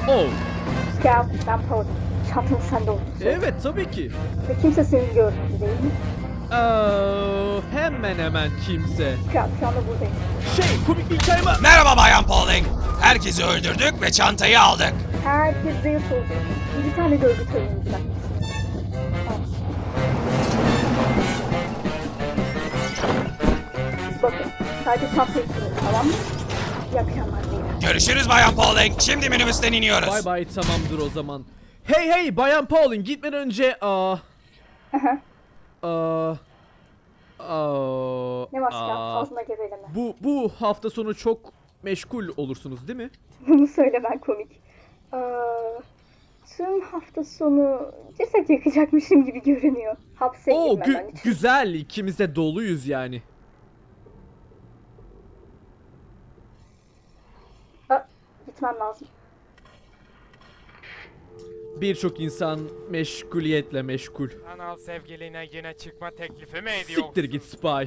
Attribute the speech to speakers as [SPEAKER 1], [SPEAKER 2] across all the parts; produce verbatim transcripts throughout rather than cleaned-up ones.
[SPEAKER 1] Oh.
[SPEAKER 2] Gel, ben Paul. Çatın sende olsun.
[SPEAKER 1] Evet tabii ki.
[SPEAKER 2] Ve kimse seni görmedi değil mi?
[SPEAKER 1] Aa, hemen hemen kimse.
[SPEAKER 2] Kral, şu anda buradayım.
[SPEAKER 1] Şey, komik bir hikaye var.
[SPEAKER 3] Merhaba Bayan Pauling. Herkesi öldürdük ve çantayı aldık.
[SPEAKER 2] Herkes zayıf oldu. Bir tane görgü töreni bırak. Bakın, sadece çantayı kırın, tamam mı? İyi akşamlar beyler.
[SPEAKER 3] Görüşürüz Bayan Pauling. Şimdi minibüsten iniyoruz.
[SPEAKER 1] Bay bay, tamamdır o zaman. Hey hey Bayan Pauling, gitmeden önce aa aa aa
[SPEAKER 2] Ne var Kral?
[SPEAKER 1] aa,
[SPEAKER 2] Ağzına geveleme.
[SPEAKER 1] bu bu hafta sonu çok meşgul olursunuz değil mi?
[SPEAKER 2] Bunu söylemen komik. Aa, tüm hafta sonu ceset yakacakmışım gibi görünüyor. Hapse
[SPEAKER 1] Oo
[SPEAKER 2] girmeden
[SPEAKER 1] gü-
[SPEAKER 2] için.
[SPEAKER 1] güzel, ikimiz de doluyuz yani.
[SPEAKER 2] Aa, gitmem lazım.
[SPEAKER 1] Birçok insan meşguliyetle meşgul.
[SPEAKER 4] Anal sevgiline yine çıkma teklifi mi ediyorsun?
[SPEAKER 1] Siktir git Spy.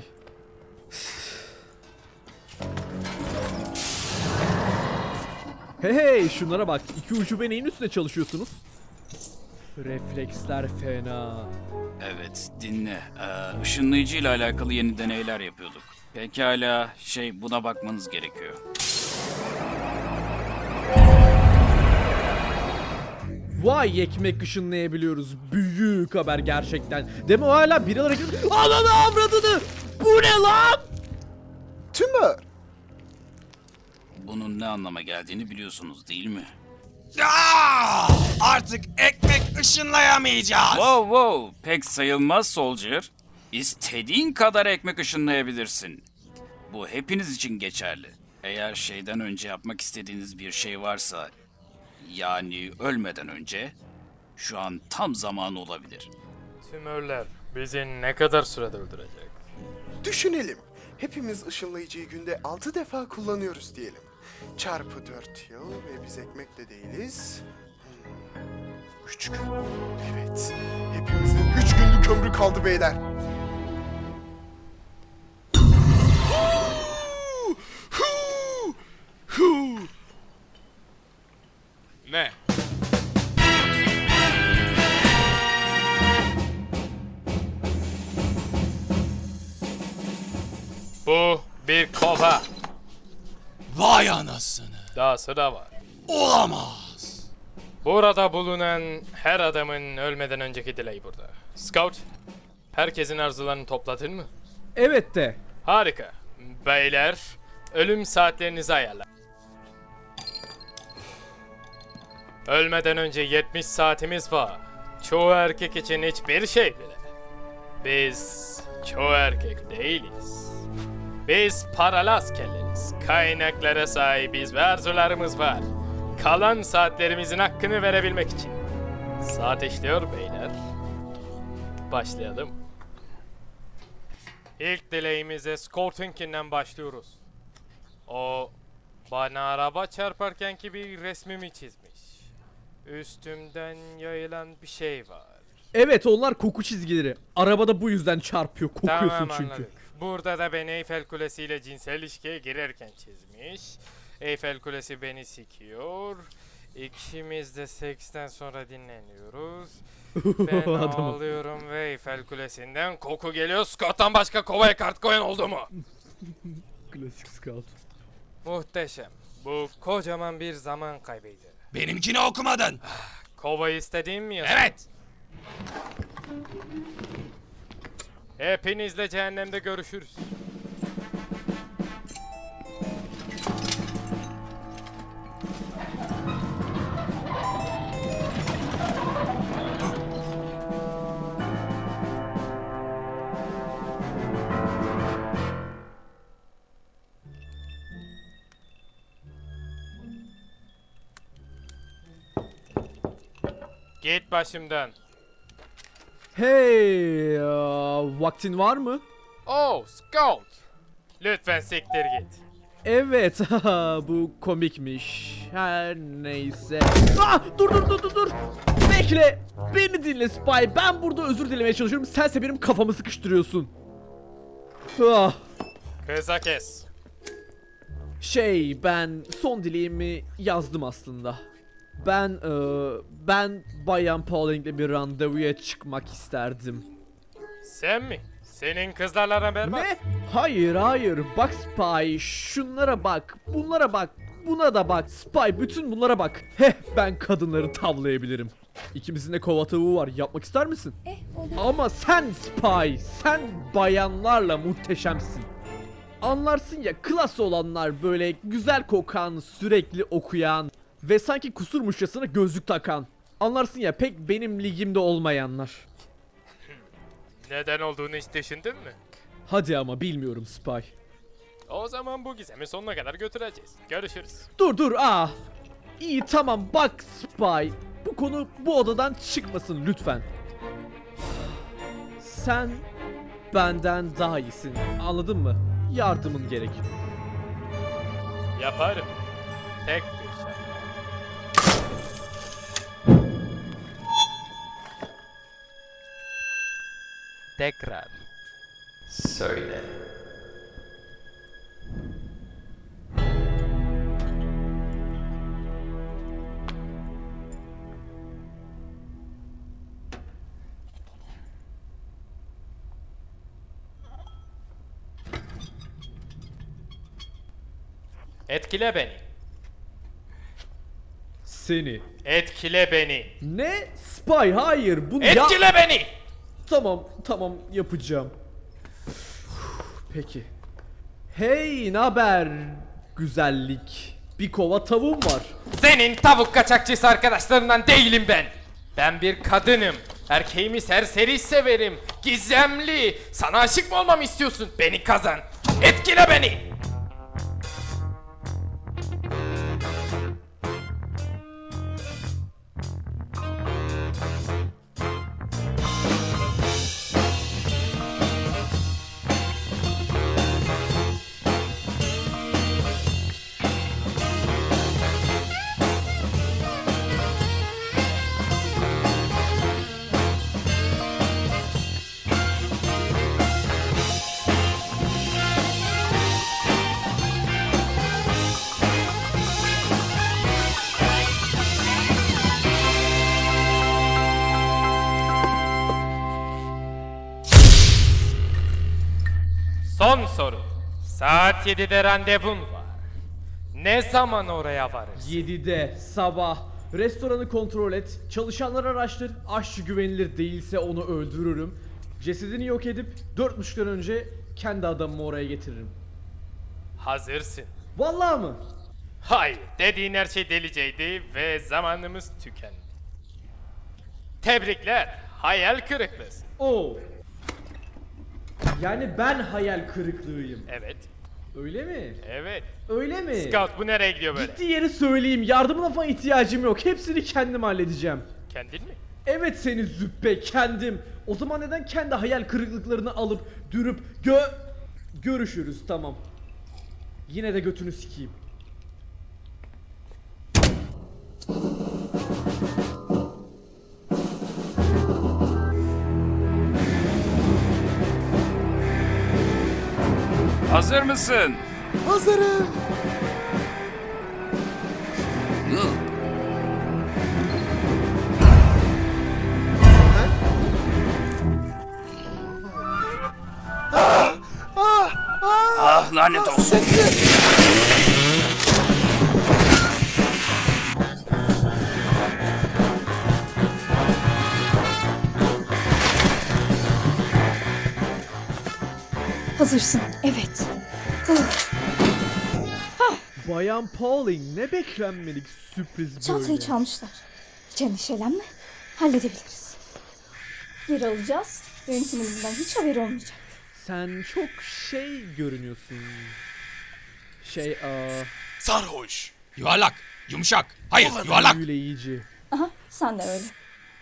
[SPEAKER 1] Hey hey, şunlara bak, iki ucube neyin üstüne çalışıyorsunuz? Refleksler fena.
[SPEAKER 5] Evet, dinle. Ee, ışınlayıcı ile alakalı yeni deneyler yapıyorduk. Pekala, şey buna bakmanız gerekiyor.
[SPEAKER 1] Vay, ekmek ışınlayabiliyoruz. Büyük haber gerçekten. Deme o hala biri olarak... Ananı avradını! Bu ne lan?
[SPEAKER 6] Tümör.
[SPEAKER 5] Bunun ne anlama geldiğini biliyorsunuz değil mi?
[SPEAKER 3] Aa, artık ekmek ışınlayamayacağız.
[SPEAKER 5] Wow wow, pek sayılmaz Soldier. İstediğin kadar ekmek ışınlayabilirsin. Bu hepiniz için geçerli. Eğer şeyden önce yapmak istediğiniz bir şey varsa, yani ölmeden önce, şu an tam zamanı olabilir.
[SPEAKER 4] Tümörler bizi ne kadar sürede öldürecek?
[SPEAKER 6] Düşünelim. Hepimiz ışınlayıcıyı günde altı defa kullanıyoruz diyelim. Çarpı dört yıl ve biz ekmekle değiliz. Hmm, üç gün. Evet. Hepimizin üç günlük ömrü kaldı beyler.
[SPEAKER 4] Ne? Bu bir kova.
[SPEAKER 3] Vay anasını.
[SPEAKER 4] Dahası da var.
[SPEAKER 3] Olamaz.
[SPEAKER 4] Burada bulunan her adamın ölmeden önceki dileği burada. Scout, herkesin arzularını topladın mı?
[SPEAKER 1] Evet de.
[SPEAKER 4] Harika. Beyler, ölüm saatlerinizi ayarla. Ölmeden önce yetmiş saatimiz var. Çoğu erkek için hiçbir şey bile. Biz çoğu erkek değiliz. Biz paralı askerleriz. Kaynaklara sahibiz ve arzularımız var. Kalan saatlerimizin hakkını verebilmek için. Saat işliyor beyler. Başlayalım. İlk dileğimize Scout'unkinden başlıyoruz. O bana araba çarparkenki bir resmimi çizmiş. Üstümden yayılan bir şey var.
[SPEAKER 1] Evet, onlar koku çizgileri. Arabada bu yüzden çarpıyor, kokuyorsun
[SPEAKER 4] Tamam,
[SPEAKER 1] çünkü.
[SPEAKER 4] anladık. Burada da beni Eyfel Kulesi ile cinsel ilişkiye girerken çizmiş. Eyfel Kulesi beni sikiyor. İkimiz de seksten sonra dinleniyoruz. Ben
[SPEAKER 1] Adamım.
[SPEAKER 4] ağlıyorum ve Eyfel Kulesi'nden koku geliyor. Scott'tan başka kovaya kart koyan oldu mu?
[SPEAKER 1] Klasik Scout.
[SPEAKER 4] Muhteşem. Bu kocaman bir zaman kaybıydı.
[SPEAKER 3] Benimkini okumadın.
[SPEAKER 4] Kovayı istediğim mi yazın?
[SPEAKER 3] Evet.
[SPEAKER 4] Hepinizle cehennemde görüşürüz. Git başımdan.
[SPEAKER 1] Hey, aa, vaktin var mı?
[SPEAKER 4] Oh, Scout. Lütfen siktir git.
[SPEAKER 1] Evet, bu komikmiş. Her neyse. Ah, dur dur dur dur dur. Bekle. Beni dinle Spy. Ben burada özür dilemeye çalışıyorum. Sense benim kafamı sıkıştırıyorsun. Ah.
[SPEAKER 4] Kısa kes.
[SPEAKER 1] Şey, ben son dileğimi yazdım aslında. Ben eee, ben Bayan Pauling'le bir randevuya çıkmak isterdim.
[SPEAKER 4] Sen mi? Senin kızlarla haber var.
[SPEAKER 1] Ne? Hayır hayır. Bak Spy, şunlara bak, bunlara bak, buna da bak. Spy, bütün bunlara bak. Heh, ben kadınları tavlayabilirim. İkimizin de kova tavuğu var. Yapmak ister misin?
[SPEAKER 2] Eh olur.
[SPEAKER 1] Ama sen Spy, sen bayanlarla muhteşemsin. Anlarsın ya, klas olanlar, böyle güzel kokan, sürekli okuyan ve sanki kusurmuşçasına gözlük takan. Anlarsın ya, pek benim ligimde olmayanlar.
[SPEAKER 4] Neden olduğunu hiç düşündün mü?
[SPEAKER 1] Hadi ama, bilmiyorum Spy.
[SPEAKER 4] O zaman bu gizemi sonuna kadar götüreceğiz. Görüşürüz.
[SPEAKER 1] Dur dur, ah. İyi tamam, bak Spy. Bu konu bu odadan çıkmasın lütfen. Sen benden daha iyisin, anladın mı? Yardımın gerek.
[SPEAKER 4] Yaparım. Tek bir şart. Tekrar.
[SPEAKER 7] Söyle.
[SPEAKER 4] Etkile beni.
[SPEAKER 1] Seni.
[SPEAKER 4] Etkile beni.
[SPEAKER 1] Ne? Spy, hayır bunu ya...
[SPEAKER 4] Etkile beni.
[SPEAKER 1] Tamam, tamam, yapacağım. Peki. Hey, naber güzellik? Bir kova tavuğum var.
[SPEAKER 4] Senin tavuk kaçakçısı arkadaşlarından değilim ben. Ben bir kadınım. Erkeğimi serseri severim. Gizemli. Sana aşık mı olmamı istiyorsun? Beni kazan. Etkile beni. Son soru. Saat yedide randevum var. Ne zaman oraya varırsın?
[SPEAKER 1] yedide sabah. Restoranı kontrol et. Çalışanları araştır. Aşçı güvenilir değilse onu öldürürüm. Cesedini yok edip dört buçuktan önce kendi adamımı oraya getiririm.
[SPEAKER 4] Hazırsın.
[SPEAKER 1] Vallahi mı?
[SPEAKER 4] Hayır, dediğin her şey deliceydi ve zamanımız tükendi. Tebrikler, hayal kırıklığısın.
[SPEAKER 1] Oo. Yani ben hayal kırıklığıyım.
[SPEAKER 4] Evet,
[SPEAKER 1] Öyle mi?
[SPEAKER 4] evet.
[SPEAKER 1] Öyle mi?
[SPEAKER 4] Scout bu nereye gidiyor böyle?
[SPEAKER 1] Gittiği yeri söyleyeyim. Yardımına falan ihtiyacım yok. Hepsini kendim halledeceğim.
[SPEAKER 4] Kendin mi?
[SPEAKER 1] Evet seni züppe, kendim. O zaman neden kendi hayal kırıklıklarını alıp dürüp gö... Görüşürüz, tamam. Yine de götünü sikeyim.
[SPEAKER 5] Hazır mısın?
[SPEAKER 6] Hazırım.
[SPEAKER 5] Ah lanet olsun.
[SPEAKER 2] Hazırsın. Evet.
[SPEAKER 1] Bayan Pauling, ne beklenmedik sürpriz böyle.
[SPEAKER 2] Çantayı çalmışlar. Hiç endişelenme. Halledebiliriz. Geri alacağız. Yönetimin bundan hiç haberi olmayacak.
[SPEAKER 1] Sen çok şey görünüyorsun. Şey, aa...
[SPEAKER 3] Sarhoş. Yuvarlak. Yumuşak. Hayır, yuvarlak.
[SPEAKER 1] Büyüleyici.
[SPEAKER 2] Aha, sen de öyle.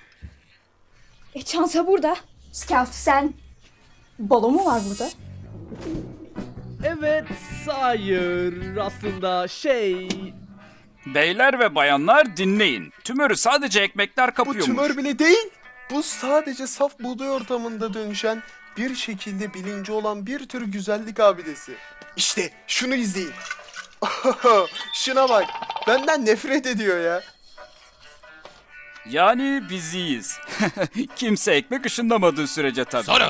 [SPEAKER 2] E çanta burada. Scout sen. Balo mu var burada?
[SPEAKER 1] Evet, hayır. Aslında şey...
[SPEAKER 5] Beyler ve bayanlar dinleyin. Tümörü sadece ekmekler
[SPEAKER 6] Bu
[SPEAKER 5] kapıyormuş.
[SPEAKER 6] tümör bile değil. Bu sadece saf buğday ortamında dönüşen, bir şekilde bilinci olan bir tür güzellik abidesi. İşte şunu izleyin. Şuna bak. Benden nefret ediyor ya.
[SPEAKER 5] Yani biziyiz. Kimse ekmek ışınlamadığı sürece tabii.
[SPEAKER 3] Soru.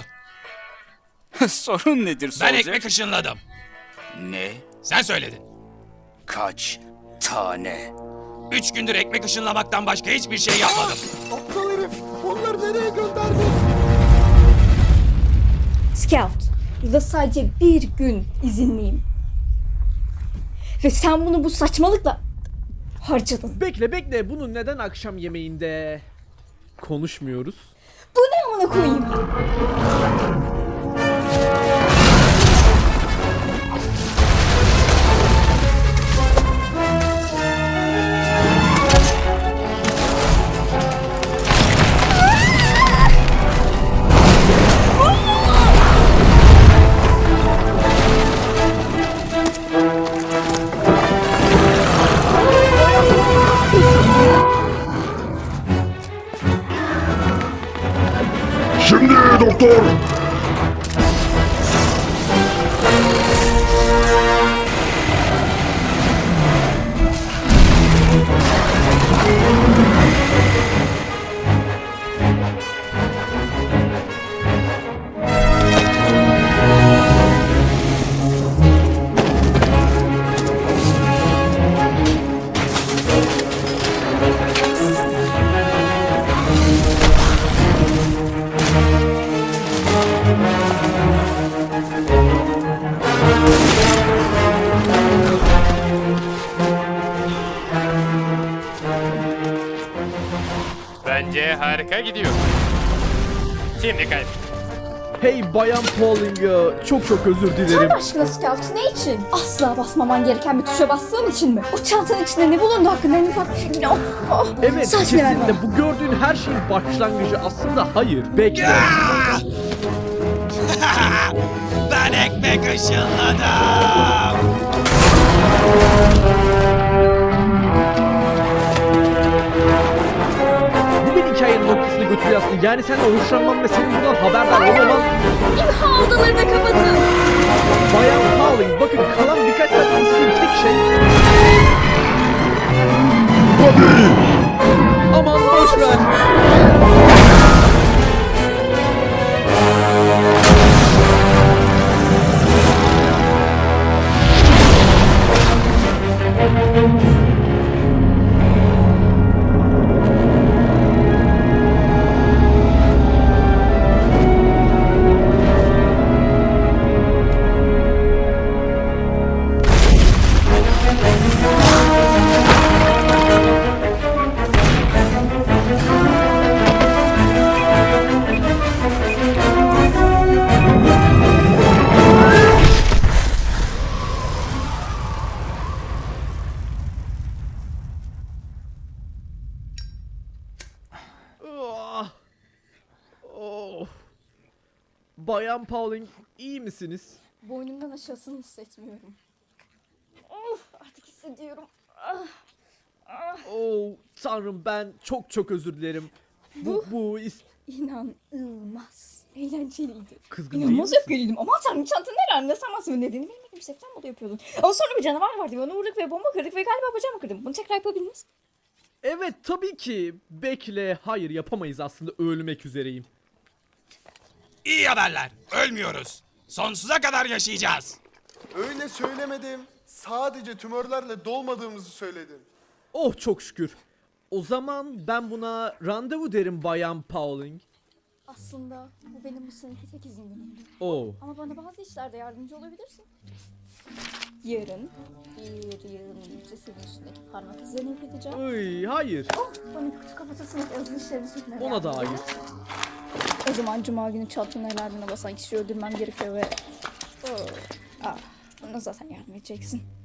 [SPEAKER 5] Sorun nedir
[SPEAKER 3] Ben
[SPEAKER 5] Soldier?
[SPEAKER 3] ekmek ışınladım.
[SPEAKER 5] Ne?
[SPEAKER 3] Sen söyledin.
[SPEAKER 5] Kaç tane?
[SPEAKER 3] Üç gündür ekmek ışınlamaktan başka hiçbir şey yapmadım.
[SPEAKER 6] Aptal herif. Onları nereye gönderdin?
[SPEAKER 2] Scout, yılda sadece bir gün izinliyim. Ve sen bunu bu saçmalıkla harcadın.
[SPEAKER 1] Bekle bekle, bunu neden akşam yemeğinde konuşmuyoruz?
[SPEAKER 2] Bu ne amına koyayım?
[SPEAKER 8] Şimdi doktor.
[SPEAKER 4] Bence harika gidiyor. Şimdi kayıt.
[SPEAKER 1] Hey Bayan Pauling, e, çok çok özür dilerim.
[SPEAKER 2] Tanrı aşkına Scout, ne için? Asla basmaman gereken bir tuşa bastığın için mi? O çantanın içinde ne bulundu hakkında en ufak bir fikrin yok. Oh,
[SPEAKER 1] Evet,
[SPEAKER 2] saç ver bana.
[SPEAKER 1] kesinlikle bu gördüğün her şeyin başlangıcı aslında hayır. Bekle.
[SPEAKER 3] Ben ekmek ışınladım.
[SPEAKER 1] Bu bir hikayenin noktasını götürüyor aslında. Yani sen hoşlanman ve senin bundan haberdar olmaman.
[SPEAKER 2] İmha odalarını kapatın.
[SPEAKER 1] Bayan Pauling, bakın kalan birkaç saat istediğim tek şey. Aman boş ver. Ah. Oh. Bayan Pauling, iyi misiniz?
[SPEAKER 2] Boynumdan aşağısını hissetmiyorum. Of, artık hissediyorum. Ah.
[SPEAKER 1] Oh tanrım, ben çok çok özür dilerim. Bu bu is
[SPEAKER 2] İnanılmaz. Eğlenceliydi.
[SPEAKER 1] kızgın değil
[SPEAKER 2] İnanılmaz
[SPEAKER 1] misin?
[SPEAKER 2] öfkeliydim. Aman tanrım, çantanın nerede sanmasın nedeni bilmediğim bir sebepten dolayı yapıyordun. Ama sonra bir canavar vardı ve onu vurduk ve bomba kırdık ve galiba bacağımı kırdım. Bunu tekrar yapabildiniz.
[SPEAKER 1] Evet tabii ki. Bekle, hayır yapamayız, aslında ölmek üzereyim.
[SPEAKER 3] İyi haberler. Ölmüyoruz. Sonsuza kadar yaşayacağız.
[SPEAKER 6] Öyle söylemedim. Sadece tümörlerle dolmadığımızı söyledim.
[SPEAKER 1] Oh çok şükür. O zaman ben buna randevu derim Bayan Pauling.
[SPEAKER 2] Aslında bu benim bu seneki tek izin günümdü.
[SPEAKER 1] Oh.
[SPEAKER 2] Ama bana bazı işlerde yardımcı olabilirsin. Yarın bir yığın cesedin üstündeki parmak izlerini yok edeceğim.
[SPEAKER 1] Ay, hayır.
[SPEAKER 2] Oh, bana bir kutu kapatasın yazılı işlerini sürtmeye
[SPEAKER 1] Ona da hayır.
[SPEAKER 2] O zaman cuma günü çantanın elardına basan kişiyi öldürmem gerekiyor ve... Oh, ah, bana zaten yardım edeceksin.